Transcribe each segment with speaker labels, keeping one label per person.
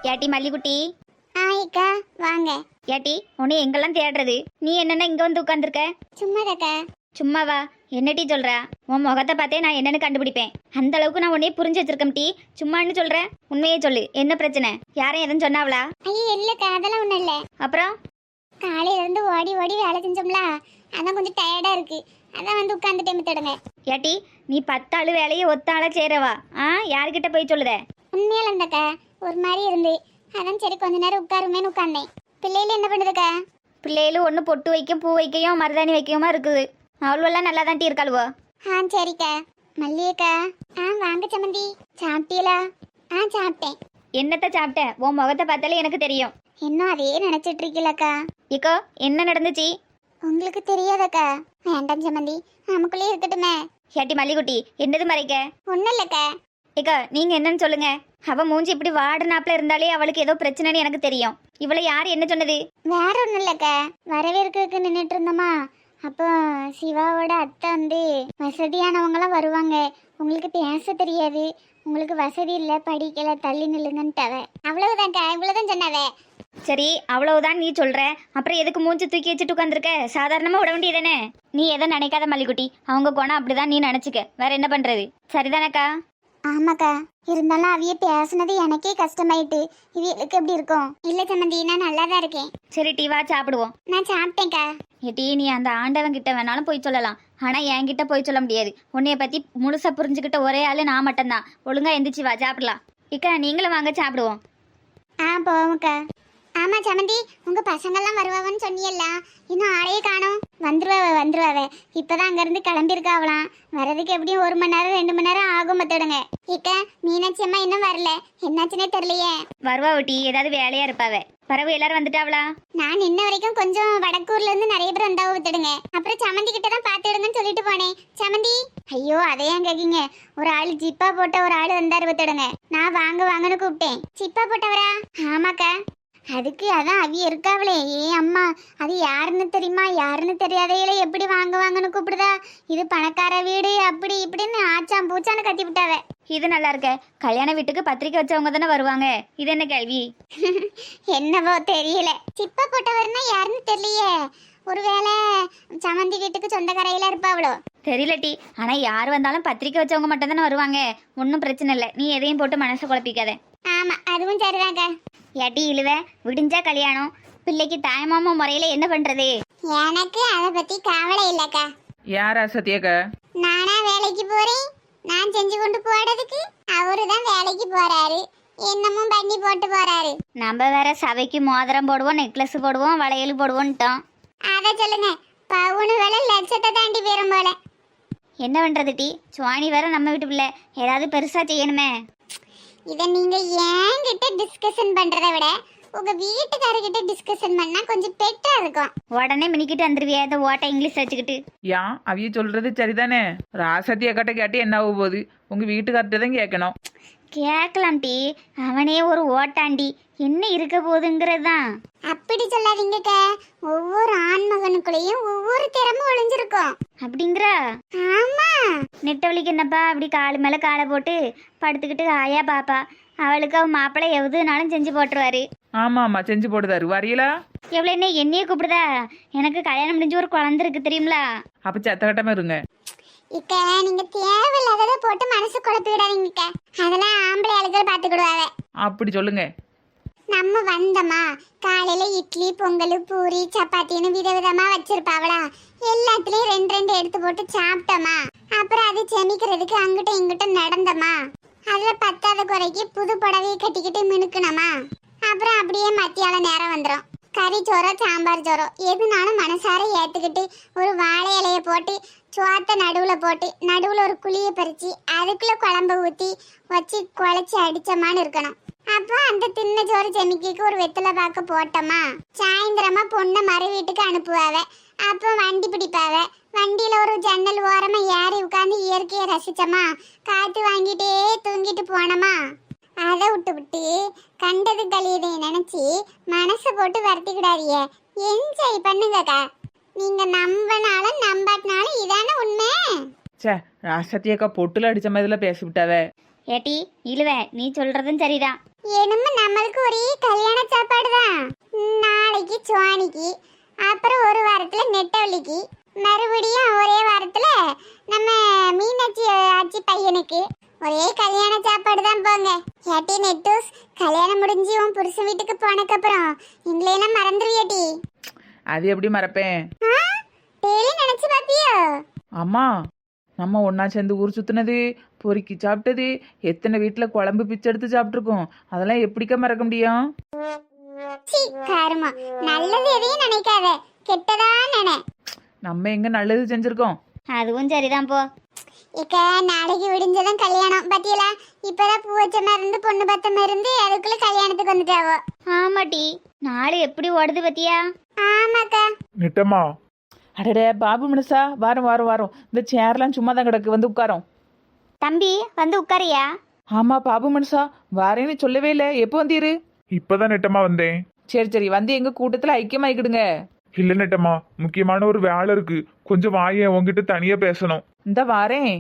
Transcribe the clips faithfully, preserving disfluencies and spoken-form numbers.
Speaker 1: ஏட்டி மல்லிகுட்டி.
Speaker 2: ஆயிக்கா வாங்க.
Speaker 1: ஏட்டி உன்னை எங்கெல்லாம் தேடுறது? நீ என்னென்ன இங்க வந்து உட்காந்துருக்க?
Speaker 2: சும்மாதாக்கா.
Speaker 1: சும்மாவா? என்னட்டி சொல்ற? உன் முகத்தை பார்த்தே நான் என்னன்னு கண்டுபிடிப்பேன். அந்த அளவுக்கு நான் உன்னையே புரிஞ்சு வச்சிருக்கேன் டி. சும்மான்னு சொல்ற? உண்மையே சொல்லு, என்ன பிரச்சனை? யாரும் எதுவும் சொன்னாவளா?
Speaker 2: ஐயோ இல்லக்கா, அதெல்லாம் ஒண்ணும் இல்ல.
Speaker 1: அப்புறம்
Speaker 2: காலையில இருந்து ஓடி ஓடி வேலை செஞ்சோம்ல, அதான் கொஞ்சம் டயர்டா இருக்கு, அதான் வந்து உட்காந்துட்டே மித்தடுங்க.
Speaker 1: ஏட்டி நீ பத்தாளு வேலையை ஒத்தாள சேரவா? ஆ யாருக்கிட்ட போய் சொல்லுத?
Speaker 2: உண்மையில இருந்தக்கா ஒரு மாதிரி இருந்து, அதான் சரி கொஞ்ச நேரம் உட்காருமேன்னு உட்கார்ந்தேன். பிள்ளையில என்ன பண்ணுதுக்கா?
Speaker 1: பிள்ளைகளும் ஒன்று பொட்டு வைக்கும், பூ வைக்கையும், மருதாணி வைக்கவுமா இருக்குது. அவ்வளோலாம் நல்லா தான் இருக்காளுவோ.
Speaker 2: ஆ சரிக்கா. மல்லியக்கா. ஆ வாங்க சமந்தி. சாப்பிட்டீங்களா? ஆ சாப்பிட்டேன்.
Speaker 1: என்னத்த சாப்பிட்ட? உன் முகத்தை பார்த்தாலே எனக்கு தெரியும்.
Speaker 2: இன்னும் அதே நினைச்சிட்டு இருக்கீங்களக்கா?
Speaker 1: இக்கோ என்ன நடந்துச்சு?
Speaker 2: உங்களுக்கு தெரியாதக்கா. வேண்டாம் சமந்தி, நமக்குள்ளே இருக்கட்டுமே.
Speaker 1: ஏட்டி மல்லிகுட்டி, என்னது மறைக்க?
Speaker 2: ஒன்றும் இல்லக்கா.
Speaker 1: இக்கா நீங்க என்னன்னு சொல்லுங்க. அவ மூஞ்சி இப்படி வாடுனாப்புல இருந்தாலே அவளுக்கு ஏதோ பிரச்சனைன்னு எனக்கு தெரியும். இவளை யார் என்ன சொன்னது?
Speaker 2: வேற ஒன்றும் இல்லக்கா, வரவேற்கிறதுக்கு நின்றுட்டு இருந்தோமா, அப்போ சிவாவோட அத்தை வந்து வசதியானவங்களாம் வருவாங்க, உங்களுக்கு பேச தெரியாது, உங்களுக்கு வசதி இல்லை, படிக்கல, தள்ளி நில்லுங்கன்ட்டவ. அவ்வளவுதான்க்கா, இவ்வளவுதான் சொன்னாவே.
Speaker 1: சரி அவ்வளவுதான் நீ சொல்ற, அப்புறம் எதுக்கு மூஞ்சி தூக்கி வச்சுட்டு உட்காந்துருக்க? சாதாரணமா விட வேண்டியதானே? நீ எதை நினைக்காத மல்லிகுட்டி, அவங்க குணம் அப்படிதான், நீ நினைச்சுக்க. வேற என்ன பண்றது? சரிதானக்கா?
Speaker 2: ஆமாக்கா, இருந்தாலும் அவிய பேசுனது எனக்கே கஷ்டமாயிட்டு. இவளுக்கு எப்படி இருக்கும்? இல்ல சம்மந்தி, நான் நல்லா தான் இருக்கேன்.
Speaker 1: சரி டீ வா சாப்பிடுவோம்.
Speaker 2: நான் சாப்பிட்டேன்க்கா.
Speaker 1: ஏட்டி நீ அந்த ஆண்டவன் கிட்ட வேணாலும் போய் சொல்லலாம், ஆனா என்கிட்ட போய் சொல்ல முடியாது. உன்னைய பத்தி முழுசா புரிஞ்சுக்கிட்ட ஒரே ஆளு நான் மட்டும்தான். ஒழுங்கா எந்திரிச்சு வா சாப்பிடலாம். இக்கா நீங்களும் வாங்க சாப்பிடுவோம்.
Speaker 2: ஆ போவோம்க்கா. ஆமா சமந்தி, உங்க பசங்கள்லாம் வருவாவன்னு சொன்னியல்ல, இன்னும் ஆளையே காணோம். வந்துருவாவ வந்துருவாவ, இப்பதான் அங்கிருந்து கிளம்பியிருக்காவலாம். வர்றதுக்கு எப்படியும் ஒரு மணி நேரம் ரெண்டு மணி நேரம் ஆகும் மத்தோடுங்க. இக்க மீனாட்சி அம்மா இன்னும் வரல, என்னாச்சுன்னே தெரியலையே.
Speaker 1: வருவா ஒட்டி, ஏதாவது வேலையா இருப்பாவ. பறவை எல்லாரும் வந்துட்டாவளா?
Speaker 2: நான் இன்ன வரைக்கும் கொஞ்சம் வடக்கூர்ல இருந்து நிறைய பேர் வந்தாவ வித்துடுங்க. அப்புறம் சமந்தி கிட்ட தான் பாத்துடுங்கன்னு சொல்லிட்டு போனேன். சமந்தி, ஐயோ அதையும் கேக்கீங்க, ஒரு ஆள் ஜிப்பா போட்ட ஒரு ஆள் வந்தாரு வித்துடுங்க. நான் வாங்க வாங்கன்னு கூப்பிட்டேன். ஜிப்பா போட்டவரா? ஆமாக்கா. அதுக்கு அதான் அவிய இருக்காவளே, ஏ அம்மா, அது யாருன்னு தெரியுமா? யாருன்னு தெரியாதையில எப்படி வாங்க வாங்கன்னு கூப்பிடுதா? இது பணக்கார வீடு அப்படி இப்படின்னு ஆச்சாம் பூச்சான்னு கத்தி விட்டாவ.
Speaker 1: இது நல்லா இருக்க. கல்யாண வீட்டுக்கு பத்திரிக்கை வச்சவங்க தானே வருவாங்க, இது என்ன கேள்வி?
Speaker 2: என்னவோ தெரியல, சிப்பா போட்டவர்னா யாருன்னு தெரியலையே. ஒருவேளை சமந்தி வீட்டுக்கு சொந்தக்காரையில இருப்பாவளோ
Speaker 1: தெரியல டி. ஆனா யார் வந்தாலும் பத்திரிக்கை வச்சவங்க மட்டும் தானே வருவாங்க. ஒன்றும் பிரச்சனை இல்லை, நீ எதையும் போட்டு மனசை குழப்பிக்காத.
Speaker 2: ஆமா அதுவும் சரிதாங்க.
Speaker 1: ஏட்டி இழுவ, விடிஞ்சா கல்யாணம், பிள்ளைக்கு தாய்மாமா முறையில என்ன பண்றது?
Speaker 2: எனக்கு அதை பத்தி கவலை இல்லக்கா.
Speaker 3: யாரா சத்யாக்கா?
Speaker 2: நானா வேலைக்கு போறேன், நான் செஞ்சு கொண்டு போறதுக்கு அவரு தான் வேலைக்கு போறாரு, என்னமும் பண்ணி போட்டு போறாரு.
Speaker 1: நம்ம வேற சபைக்கு மோதிரம் போடுவோம், நெக்லஸ் போடுவோம், வளையல் போடுவோன்ட்டோம்.
Speaker 2: அத சொல்லுங்க, பவுனு வேலை லட்சத்தை தாண்டி போயிரும் போல.
Speaker 1: என்ன பண்றது டி? சுவாணி வேற நம்ம வீட்டு பிள்ளை, ஏதாவது பெருசா செய்யணுமே.
Speaker 2: இதை நீங்க என்கிட்ட டிஸ்கஷன் பண்றதை விட உங்க வீட்டுக்காரர்கிட்ட டிஸ்கஷன் பண்ணா கொஞ்சம் பெட்டரா இருக்கும்.
Speaker 1: உடனே மினிக்கிட்டு வந்துருவியா இந்த ஓட்ட இங்கிலீஷ் வச்சுக்கிட்டு?
Speaker 3: ஏன் அவிய சொல்றது சரிதானே? ராசத்தியக்காட்ட கேட்டு என்ன ஆக போகுது? உங்க வீட்டுக்கார்ட்ட தான் கேட்கணும்.
Speaker 1: கேட்கலாம் டி, அவனே ஒரு ஓட்டாண்டி, என்ன இருக்க போகுதுங்கிறது தான்.
Speaker 2: அப்படி சொல்லாதீங்கக்கா, ஒவ்வொரு ஆண்மகனுக்குள்ளேயும் ஒவ்வொரு திறமை ஒளிஞ்சிருக்கும்.
Speaker 1: அப்படிங்கிற?
Speaker 2: ஆமா.
Speaker 1: நெட்டவழிக்கு என்னப்பா அப்படி காலு மேல காலை போட்டு படுத்துக்கிட்டு ஆயா பாப்பா, அவளுக்கு அவன் மாப்பிள்ளை எதுனாலும் செஞ்சு போட்டுருவாரு.
Speaker 3: ஆமா ஆமா செஞ்சு போடுதாரு. வரீங்களா?
Speaker 1: எவ்வளவு என்ன என்னையே கூப்பிடுதா? எனக்கு கல்யாணம் முடிஞ்சு ஒரு குழந்தை இருக்கு தெரியுங்களா?
Speaker 3: அப்ப சத்தகட்டமா இருங்க.
Speaker 2: இக்க நீங்க தேவையில்லாததை போட்டு மனசு குழப்பி விடாதீங்கக்கா, அதெல்லாம் ஆம்பளை ஆளுகள் பாத்துக்கிடுவாங்க.
Speaker 3: அப்படி சொல்லுங்க.
Speaker 2: நம்ம வந்தோமா, காலையில இட்லி பொங்கல் பூரி சப்பாத்தின்னு விதவிதமா வச்சிருப்பாவளா, எல்லாத்துலயும் ரெண்டு ரெண்டு எடுத்து போட்டு சாப்பிட்டோமா, அப்புறம் அது செமிக்கிறதுக்கு அங்கிட்ட இங்கிட்ட நடந்தோமா, அதுல பத்தாத குறைக்கு புது புடவையை கட்டிக்கிட்டு மினுக்கணுமா, அப்புறம் அப்படியே மத்தியால நேரம் வந்துடும். கறி சோறோ சாம்பார் சோறோ எதுனாலும் மனசார ஏத்துக்கிட்டு ஒரு வாழை இலைய போட்டு சோத்த நடுவுல போட்டு நடுவுல ஒரு குழிய பறிச்சு அதுக்குள்ள குழம்பு ஊத்தி வச்சு குழச்சி அடிச்சமான்னு இருக்கணும். அப்போ அந்த தின்ன சோறு செமிக்கு ஒரு வெத்தலை பாக்க போட்டோமா, சாயந்தரமா பொண்ணை மறு வீட்டுக்கு அனுப்புவாவ. அப்போ வண்டி பிடிப்பாவ, வண்டியில ஒரு ஜன்னல் ஓரமா ஏறி உட்காந்து இயற்கையை ரசிச்சோமா, காத்து வாங்கிட்டே தூங்கிட்டு போனோமா. அதை விட்டு விட்டு கண்டது கழியதை நினைச்சு மனசை போட்டு வருத்திக்கிடாதீங்க, என்ஜாய் பண்ணுங்கக்கா. நீங்க நம்பினாலும் நம்பாட்டினாலும் இதான உண்மை.
Speaker 3: சே ராசத்தியக்கா பொட்டுல அடிச்ச மாதிரில பேசி விட்டாவே.
Speaker 1: ஏட்டி இழுவ, நீ சொல்றதும் சரிதான்.
Speaker 2: என்னமோ நம்மளுக்கு ஒரே கல்யாண சாப்பாடு தான். நாளைக்கு சுவானிக்கு, அப்புறம் ஒரு வாரத்துல நெட்டவள்ளிக்கு, மறுபடியும் ஒரே வாரத்துல நம்ம மீனாட்சி ஆச்சி பையனுக்கு ஒரே கல்யாண சாப்பாடு தான் போங்க. ஏட்டி நெட்டூஸ், கல்யாணம் முடிஞ்சு உன் புருஷன் வீட்டுக்கு போனக்கப்புறம் எங்களையெல்லாம் மறந்துருவியாட்டி?
Speaker 3: அது எப்படி மறப்பேன்?
Speaker 2: டெய்லி நினைச்சு பாப்பியோ?
Speaker 3: அம்மா, நம்ம ஒன்றா சேர்ந்து ஊர் சுற்றுனது, பொறுக்கி சாப்பிட்டது, எத்தனை வீட்டில் குழம்பு பிச்சை எடுத்து சாப்பிட்ருக்கோம். அதெல்லாம் எப்படிக்கா மறக்க முடியும்?
Speaker 2: சீ கருமா, நல்லது எதையும் நினைக்காத, கெட்டதா நினை.
Speaker 3: நம்ம எங்க நல்லது செஞ்சிருக்கோம்?
Speaker 1: அதுவும் சரிதான் போ.
Speaker 2: இக்க நாளைக்கு விடிஞ்சதான் கல்யாணம் பத்தியலா? இப்பதான் பூ வச்ச மாதிரி இருந்து பொண்ணு பத்த மாதிரி இருந்து அதுக்குள்ள கல்யாணத்துக்கு வந்துட்டாவோ.
Speaker 1: ஆமாட்டி, நாளை எப்படி ஓடுது பத்தியா?
Speaker 2: ஆமாக்கா.
Speaker 4: நெட்டம்மா,
Speaker 3: அடடே பாபு மனுஷா, வாரம் வாரம் வாரம் இந்த சேர்லாம் சும்மா தான் கிடக்கு, வந்து உட்காரோம்.
Speaker 1: தம்பி வந்து உட்காரியா?
Speaker 3: ஆமா பாபு மனுஷா, வாரேன்னு சொல்லவே இல்லை. எப்போ வந்தீரு?
Speaker 4: இப்பதான் நெட்டம்மா வந்தேன்.
Speaker 3: சரி சரி, வந்து எங்க கூட்டத்தில் ஐக்கியமாயிக்கிடுங்க.
Speaker 4: இல்ல நெட்டம்மா, முக்கியமான ஒரு வேலை இருக்கு, கொஞ்சம் வாயே, உங்ககிட்ட தனியா பேசணும்.
Speaker 3: இந்த வாரேன்.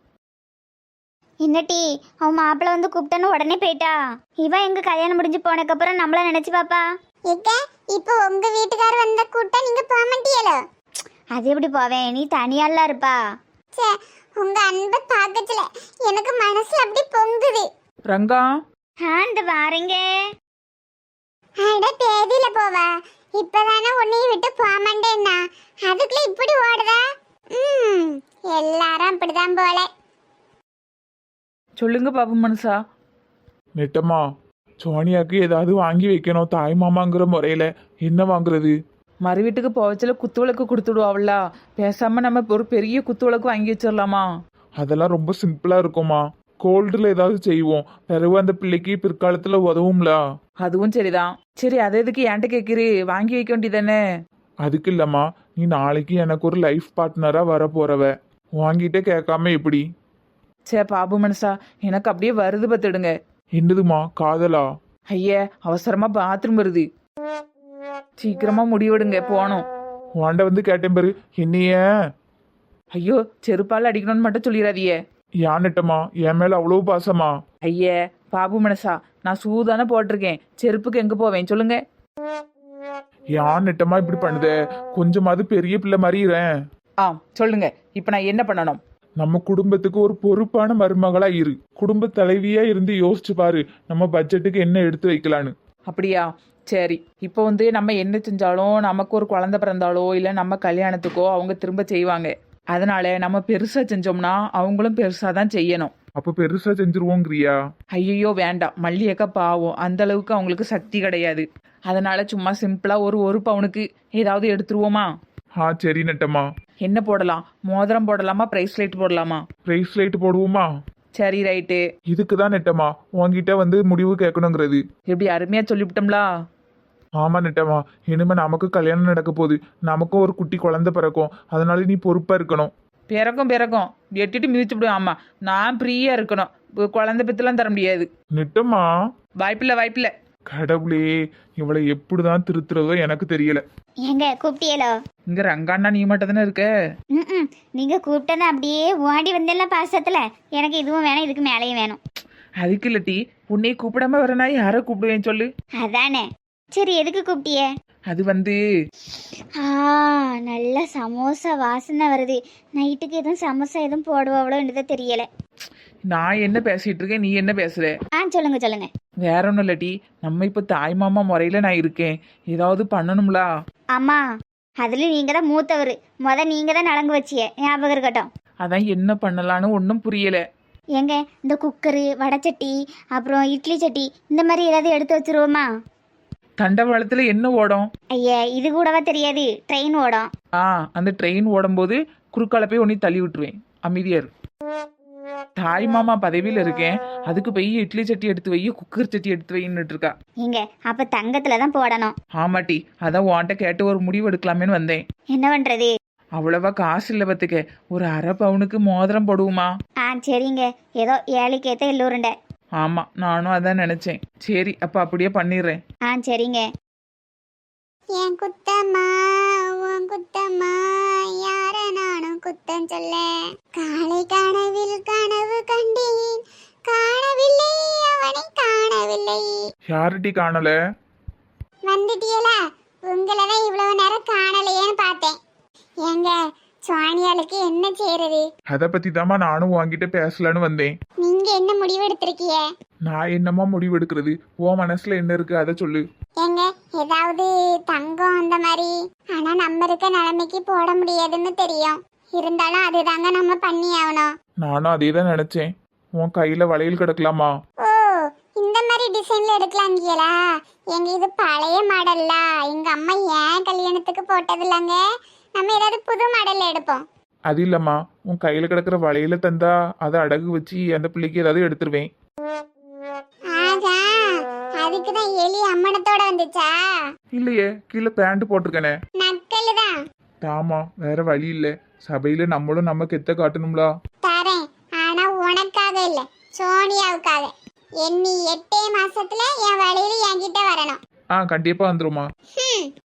Speaker 1: என்னட்டி, அவன் மாப்பிள்ள வந்து கூப்பிட்டேன்னு உடனே போயிட்டா? இவன் எங்க கல்யாணம் முடிஞ்சு போனதுக்கப்புறம் நம்மள நினைச்சு பாப்பா?
Speaker 2: இக்க இப்போ உங்க வீட்டுக்காரர் வந்த கூட்டம் நீங்க போக மாட்டீங்களோ?
Speaker 1: அது எப்படி போவேன், நீ தனியாலாம் இருப்பா.
Speaker 2: சே, உங்க அன்பை பார்க்கல, எனக்கு மனசுல அப்படி பொங்குது.
Speaker 3: ரங்கா,
Speaker 1: ஆ இந்த வாரேங்க.
Speaker 2: அட பேதியில போவா, இப்பதானே உன்னையும் விட்டு போக மாட்டேன்னா அதுக்குள்ள இப்படி ஓடுதா? ம், எல்லாரும் அப்படிதான் போல.
Speaker 3: சொல்லுங்க பாபு மனுஷா.
Speaker 4: நெட்டம்மா, சோனியாக்கு ஏதாவது வாங்கி வைக்கணும் தாய் மாமாங்கிற முறையில. என்ன வாங்குறது?
Speaker 3: மறு வீட்டுக்கு போவச்சில குத்துவிளக்கு கொடுத்துடுவாள்ல, பேசாம நம்ம ஒரு பெரிய குத்துவிளக்கு வாங்கி வச்சிடலாமா?
Speaker 4: அதெல்லாம் ரொம்ப சிம்பிளா இருக்குமா. கோல்டுல ஏதாவது செய்வோம், பிறகு அந்த பிள்ளைக்கு பிற்காலத்துல உதவும்ல.
Speaker 3: அதுவும் சரிதான். சரி, அதை எதுக்கு என்கிட்ட கேட்குறி? வாங்கி வைக்க வேண்டியதானே?
Speaker 4: அதுக்கு இல்லம்மா, நீ நாளைக்கு எனக்கு ஒரு லைஃப் பார்ட்னரா வர போறவ, வாங்கிட்டே கேட்காம எப்படி?
Speaker 3: சே பாபு மனுஷா, எனக்கு அப்படியே வருது பத்துடுங்க.
Speaker 4: என்னதுமா, காதலா?
Speaker 3: ஐயா, அவசரமா பாத்ரூம் வருது, சீக்கிரமா முடிவெடுங்க, போனோம்.
Speaker 4: வாண்ட வந்து கேட்டேன் பாரு, என்னைய
Speaker 3: ஐயோ, செருப்பால் அடிக்கணும்னு மட்டும் சொல்லிடாதியே.
Speaker 4: யான் நெட்டம்மா, என் மேல அவ்வளவு பாசமா?
Speaker 3: ஐயே பாபு மனசா, நான் சூதானே போட்டிருக்கேன், செருப்புக்கு எங்க போவேன் சொல்லுங்க?
Speaker 4: யான் நெட்டம்மா இப்படி பண்ணுதே, கொஞ்சமாவது பெரிய பிள்ளை மாதிரிறேன்.
Speaker 3: ஆ சொல்லுங்க, இப்போ நான் என்ன பண்ணணும்?
Speaker 4: நம்ம குடும்பத்துக்கு ஒரு பொறுப்பான மருமகளா இரு, குடும்ப தலைவியா இருந்து யோசிச்சு பாரு, நம்ம பட்ஜெட்டுக்கு என்ன எடுத்து வைக்கலான்னு.
Speaker 3: அப்படியா? சரி, இப்போ வந்து நம்ம என்ன செஞ்சாலும், நமக்கு ஒரு குழந்தை பிறந்தாலோ இல்லை நம்ம கல்யாணத்துக்கோ அவங்க திரும்ப செய்வாங்க. அதனால நம்ம பெருசா செஞ்சோம்னா அவங்களும் பெருசா தான் செய்யணும்.
Speaker 4: அப்ப பெருசா செஞ்சிருவோங்கிறியா?
Speaker 3: ஐயோ வேண்டாம், மல்லியக்கா பாவம், அந்த அளவுக்கு அவங்களுக்கு சக்தி கிடையாது. அதனால சும்மா சிம்பிளா ஒரு ஒரு பவுனுக்கு ஏதாவது எடுத்துருவோமா?
Speaker 4: ஆ சரி நெட்டம்மா.
Speaker 3: என்ன போடலாம்? மோதிரம் போடலாமா, பிரைஸ்லைட் போடலாமா?
Speaker 4: பிரைஸ்லைட் போடுவோமா?
Speaker 3: சரி ரைட்டு.
Speaker 4: இதுக்கு தான் நெட்டம்மா உன்கிட்ட வந்து முடிவு கேட்கணுங்கிறது.
Speaker 3: எப்படி அருமையா சொல்லிவிட்டோம்லா?
Speaker 4: ஆமா நெட்டம்மா, இனிமே நமக்கு கல்யாணம் நடக்க போகுது, நமக்கும் ஒரு குட்டி குழந்தை பிறக்கும், அதனால நீ பொறுப்பா இருக்கணும்.
Speaker 3: பிறக்கும் பிறக்கும் எட்டிட்டு மிதிச்சு விடுவோம். ஆமா, நான் ஃப்ரீயா இருக்கணும், குழந்தை பத்திலாம் தர முடியாது.
Speaker 4: நெட்டம்மா,
Speaker 3: வாய்ப்பில்லை வாய்ப்பில்லை.
Speaker 4: கடவுளே, இவளை எப்படிதான் திருத்துறதோ எனக்கு தெரியல.
Speaker 1: எங்க கூப்பிட்டியலோ?
Speaker 3: இங்க ரங்காண்ணா நீ மட்டும் தானே இருக்க?
Speaker 1: ம் நீங்க கூப்பிட்டது அப்படியே ஓடி வந்தெல்லாம் பாசத்துல, எனக்கு இதுவும் வேணும், இதுக்கு மேலேயும் வேணும்.
Speaker 3: அதுக்கு இல்லட்டி, உன்னை கூப்பிடாம வரனா யாரை கூப்பிடுவேன் சொல்லு?
Speaker 1: அதானே. சரி, எதுக்கு கூப்பிட்டிய?
Speaker 3: அது வந்து
Speaker 1: ஆ நல்ல சமோசா வாசனை வருது. நைட்டுக்கு எதுவும் சமோசா எதுவும் போடுவாவளோன்றதை தெரியல.
Speaker 3: நான் என்ன பேசிட்டு இருக்கேன், நீ என்ன பேசுற?
Speaker 1: ஆ சொல்லுங்க சொல்லுங்க.
Speaker 3: வேற ஒன்றும் இல்லட்டி, நம்ம இப்போ தாய் மாமா முறையில் நான் இருக்கேன், ஏதாவது பண்ணணும்ல.
Speaker 1: அம்மா, அதுல நீங்க தான் மூத்தவர், முத நீங்க தான் நலங்கு வச்சிய, ஞாபகம் இருக்கட்டும்.
Speaker 3: அதான் என்ன பண்ணலான்னு ஒன்றும் புரியல.
Speaker 1: எங்க இந்த குக்கரு, வடைச்சட்டி, அப்புறம் இட்லி சட்டி, இந்த மாதிரி ஏதாவது எடுத்து வச்சிருவோமா?
Speaker 3: தண்டவாளத்துல என்ன ஓடும்?
Speaker 1: ஐயா, இது கூடவா தெரியாது, ட்ரெயின் ஓடும்.
Speaker 3: ஆ, அந்த ட்ரெயின் ஓடும்போது குறுக்கால போய் ஒன்னி தள்ளி விட்டுருவேன், அமைதியார். தாய் மாமா பதவியில் இருக்கேன், அதுக்கு போய் இட்லி சட்டி எடுத்து வை, குக்கர் சட்டி எடுத்து வைன்னுட்டு இருக்கா.
Speaker 1: எங்க அப்ப தங்கத்துல தான் போடணும்.
Speaker 3: ஆமாட்டி, அதான் உன்கிட்ட கேட்டு ஒரு முடிவு எடுக்கலாமேன்னு வந்தேன்.
Speaker 1: என்ன பண்றது?
Speaker 3: அவ்வளவா காசு இல்லை பத்துக்க, ஒரு அரை பவுனுக்கு மோதிரம் போடுவோமா?
Speaker 1: ஆ சரிங்க, ஏதோ ஏழைக்கேத்த எல்லோருண்ட.
Speaker 3: ஆமா, நானும் அதான் நினைச்சேன். சரி, அப்ப அப்படியே பண்ணிடுறேன்.
Speaker 1: ஆ சரிங்க.
Speaker 2: என் குத்தம்மா உன் குத்தம்மா, யார நானும் குத்தம் சொல்ல. காலை கனவில் கனவு கண்டேன், காணவில்லை அவனை காணவில்லை. இல்லை.
Speaker 4: யார்டி காணல?
Speaker 2: வந்துட்டியலா? உங்களை தான் இவ்வளவு நேரம் காணலையேன்னு பார்த்தேன். ஏங்க சுவானியாளுக்கு என்ன செய்யறது?
Speaker 4: அத பத்தி தாமா நானும் உன்கிட்ட பேசலான்னு வந்தேன்.
Speaker 2: நீங்க என்ன முடிவு எடுத்திருக்கீங்க?
Speaker 4: நான் என்னமா முடிவு எடுக்கிறது? உன் மனசுல என்ன இருக்கு அதை சொல்லு.
Speaker 2: ஏங்க ஏதாவது தங்கம் அந்த மாதிரி? ஆனா நம்ம இருக்க நிலைமைக்கு போட முடியாதுன்னு தெரியும். இருந்தாலும் அதுதாங்க நம்ம பண்ணி ஆகணும்.
Speaker 4: நானும் அதே தான் நினைச்சேன். உன் கையில வளையல் கிடக்கலாமா?
Speaker 2: ஓ, இந்த மாதிரி டிசைன்ல எடுக்கலாங்கீங்களா? எங்க இது பழைய மாடல்ல எங்க அம்மா ஏன் கல்யாணத்துக்கு போட்டது இல்லைங்க. நம்ம ஏதாவது புது மாடல்ல எடுப்போம்.
Speaker 4: அது இல்லம்மா, உன் கையில கிடக்குற வளையல தந்தா அதை அடகு வச்சு அந்த பிள்ளைக்கு ஏதாவது எடுத்துருவேன்.
Speaker 2: ஆகா, அதுக்குதான் எலி அம்மனத்தோட வந்துச்சா?
Speaker 4: இல்லையே, கீழே பேண்ட் போட்டிருக்கனே.
Speaker 2: நக்கல் தான்.
Speaker 4: தாமா, வேற வழி இல்ல. சபையில நம்மளும் நம்ம கெத்த காட்டணும்ல.
Speaker 2: தரேன், ஆனா உனக்காக இல்ல, சோனியாவுக்காக. எண்ணி எட்டே மாசத்துல என் வழியில என்கிட்ட வரணும்.
Speaker 4: ஆ, கண்டிப்பா வந்துருமா.
Speaker 2: ஹம்,